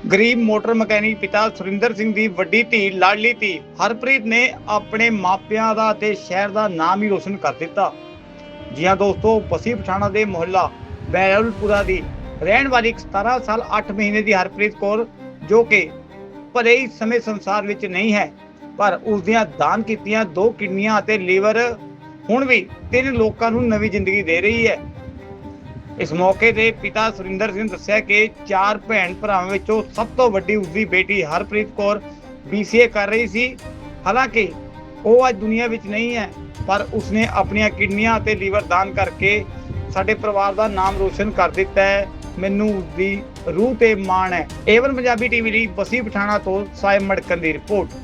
ਗਰੀਬ motor mechanic ਪਿਤਾ ਸੁਰਿੰਦਰ ਸਿੰਘ ਦੀ ਵੱਡੀ ਧੀ ਲਾਡਲੀ ਧੀ ਹਰਪ੍ਰੀਤ ਨੇ ਆਪਣੇ ਮਾਪਿਆਂ ਦਾ ਤੇ ਸ਼ਹਿਰ ਦਾ ਨਾਮ ਹੀ ਰੋਸ਼ਨ ਕਰ ਦਿੱਤਾ। ਜੀ ਹਾਂ ਦੋਸਤੋ, ਬਸੀ ਪਠਾਣਾ ਦੇ ਮੁਹੱਲਾ ਬਹਿਰੁਲਪੁਰਾ ਦੀ ਰਹਿਣ ਵਾਲੀ 17 ਸਾਲ 8 ਮਹੀਨੇ ਦੀ ਹਰਪ੍ਰੀਤ ਕੌਰ, ਜੋ ਕਿ ਭਲੇ ਹੀ ਸਮੇਂ ਸੰਸਾਰ ਵਿੱਚ ਨਹੀਂ ਹੈ, ਪਰ ਉਸ ਦੀਆਂ ਦਾਨ ਕੀਤੀਆਂ 2 ਕਿਡਨੀਆਂ ਅਤੇ ਲੀਵਰ ਹੁਣ ਵੀ 3 ਲੋਕਾਂ ਨੂੰ ਨਵੀਂ ਜ਼ਿੰਦਗੀ ਦੇ ਰਹੀ ਹੈ। इस मौके ते पिता सुरिंदर सिंह दस्सिया कि 4 भैन भरावां विचों सब तो वड्डी उसदी बेटी हरप्रीत कौर BCA कर रही सी। हालांकि वो आज दुनिया विच नहीं है, पर उसने अपनियां किडनियां ते लीवर दान करके साडे परिवार दा नाम रोशन कर दिता है। मैनूं उसदी रूह ते माण है। एवन पंजाबी TV लई बसी पठाणा तो साहिब मड़कन दी रिपोर्ट।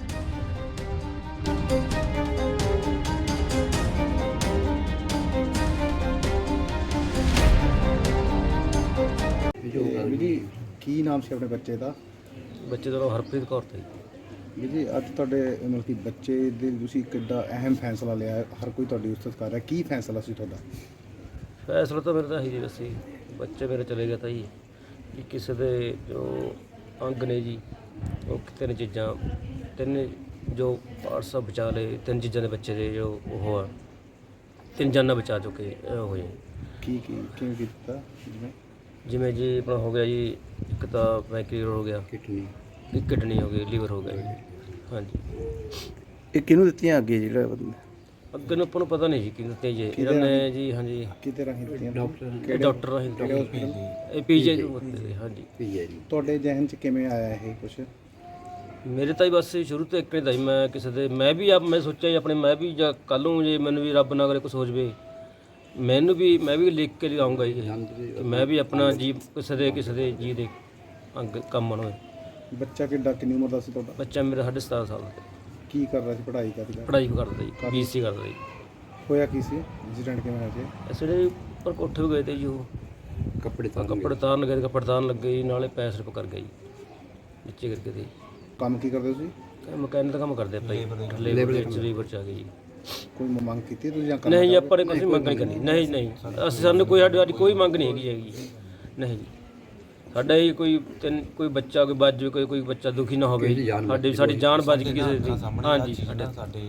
जी की नाम से अपने बच्चे का? ਬੱਚੇ ਦਾ ਨਾਮ ਹਰਪ੍ਰੀਤ ਕੌਰ ਤਾ ਜੀ। जी अज तुहाडे मतलब कि बच्चे दे तुसीं किड्डा अहम फैसला लिया है, हर कोई तुहाडी उस्सत कर रहा है, की फैसला सी तुहाडा? ਫੈਸਲਾ ਤਾਂ ਮੇਰਾ ਤਾਂ ਹੀ ਜੀ ਸੀ, ਬੱਚੇ ਮੇਰੇ ਚਲੇ ਗਏ ਤਾਂ ਜੀ ਕਿ ਕਿਸੇ ਦੇ ਜੋ ਅੰਗ ਨੇ ਜੀ ਉਹ 3 ਚੀਜ਼ਾਂ 3 ਜੋ ਪਾਰਟਸ ਬਚਾ ਲਏ, 3 ਚੀਜ਼ਾਂ ਦੇ ਬੱਚੇ ਦੇ ਜੋ ਉਹ ਆ 3 ਜਾਨਾਂ ਬਚਾ ਚੁੱਕੇ ਹੋਏ। की किवें कीता? ਜਿਵੇਂ ਜੀ ਆਪਣਾ ਹੋ ਗਿਆ ਜੀ, ਇੱਕ ਤਾਂ ਪੈਂਕਰੀਅਰ ਹੋ ਗਿਆ, किडनी ਇੱਕ ਕਿਡਨੀ ਹੋ ਗਈ, ਲੀਵਰ ਹੋ ਗਿਆ ਜੀ। ਹਾਂਜੀ, ਇਹ ਕਿਹਨੂੰ ਦਿੱਤੀਆਂ ਅੱਗੇ ਜਿਹੜਾ ਅੱਗੇ ਨੂੰ ਆਪਾਂ ਨੂੰ ਪਤਾ ਨਹੀਂ ਜੀ ਕਿਹਨੂੰ ਦਿੱਤੇ ਜੀ ਇਹਨਾਂ ਨੇ ਜੀ। ਹਾਂਜੀ, ਕਿਤੇ ਰਾਹੀਂ ਦਿੱਤੀਆਂ? ਡਾਕਟਰ ਰਾਹੀਂ ਇਹ PGI ਤੋਂ ਦਿੱਤੇ। ਹਾਂਜੀ, ਤੁਹਾਡੇ ਜ਼ਿਹਨ 'ਚ ਕਿਵੇਂ ਆਇਆ ਇਹ ਕੁਛ? ਮੇਰੇ ਤਾਂ ਹੀ ਬਸ ਸ਼ੁਰੂ ਤੋਂ ਇੱਕ ਨਹੀਂ ਤਾਂ ਜੀ, ਮੈਂ ਕਿਸੇ ਦੇ ਮੈਂ ਵੀ ਮੈਂ ਸੋਚਿਆ ਜੀ ਆਪਣੇ, ਮੈਂ ਵੀ ਜਾਂ ਕੱਲ੍ਹ ਨੂੰ ਜੇ ਮੈਨੂੰ ਵੀ ਰੱਬ ਨਾ ਕਰੇ ਕੁਛ ਹੋ ਜਾਵੇ, ਮੈਂ ਵੀ ਲਿਖ ਕੇ ਲਿਆਉਂਗਾ ਜੀ ਕਿ ਮੈਂ ਵੀ ਆਪਣਾ ਜੀ ਕਿਸੇ ਦੇ ਜੀ ਦੇ ਅੰਗ ਕੰਮ ਆਉਣਾ ਹੋਏ। ਬੱਚਾ ਕਿੰਨੀ ਉਮਰ ਦਾ ਸੀ ਤੁਹਾਡਾ? ਬੱਚਾ ਮੇਰਾ 17.5 ਸਾਲ ਦਾ, ਕੀ ਕਰ ਰਿਹਾ ਸੀ? ਪੜ੍ਹਾਈ ਕਰਦਾ? ਪੜ੍ਹਾਈ ਕਰਦਾ ਜੀ, BC ਕਰਦਾ ਜੀ। ਹੋਇਆ ਕੀ ਸੀ ਐਕਸੀਡੈਂਟ? ਕਿਵੇਂ ਹੋਇਆ ਸੀ? ਅਸੀਂ ਜਿਹੜੇ ਉੱਪਰ ਕੋਠੇ ਵੀ ਗਏ ਤੇ ਜੀ, ਉਹ ਕੱਪੜੇ ਤਾਰਨ ਗਏ, ਕੱਪੜੇ ਤਾਰਨ ਲੱਗੇ ਜੀ, ਨਾਲੇ ਪੈਸੇ ਰੁਪ ਕਰ ਗਏ ਜੀ ਨੀਚੇ ਕਰਕੇ ਤੇ। ਕੰਮ ਕੀ ਕਰਦੇ ਤੁਸੀਂ? ਮਕੈਨਿਕ ਦਾ ਕੰਮ ਕਰਦੇ ਆਪਾਂ ਜੀ, ਲੇਬਰ ਚ ਆ ਗਏ ਜੀ। ਕੋਈ ਮੰਗ ਕੀਤੀ ਤੁਸੀਂ ਜਾਂ ਨਹੀਂ ਜੀ, ਆਪਾਂ ਨੇ ਕੋਈ ਮੰਗ ਨਹੀਂ ਕਰਨੀ। ਨਹੀਂ ਅਸੀਂ ਸਾਨੂੰ ਸਾਡੀ ਕੋਈ ਮੰਗ ਨਹੀਂ ਹੈਗੀ ਜੀ। ਨਹੀਂ ਜੀ, ਸਾਡਾ ਹੀ ਕੋਈ ਬੱਚਾ ਕੋਈ ਬਚ ਜਾਵੇ, ਕੋਈ ਬੱਚਾ ਦੁਖੀ ਨਾ ਹੋਵੇ, ਸਾਡੀ ਜਾਨ ਬਚ ਗਈ ਕਿਸੇ ਦੀ। ਹਾਂਜੀ, ਸਾਡੇ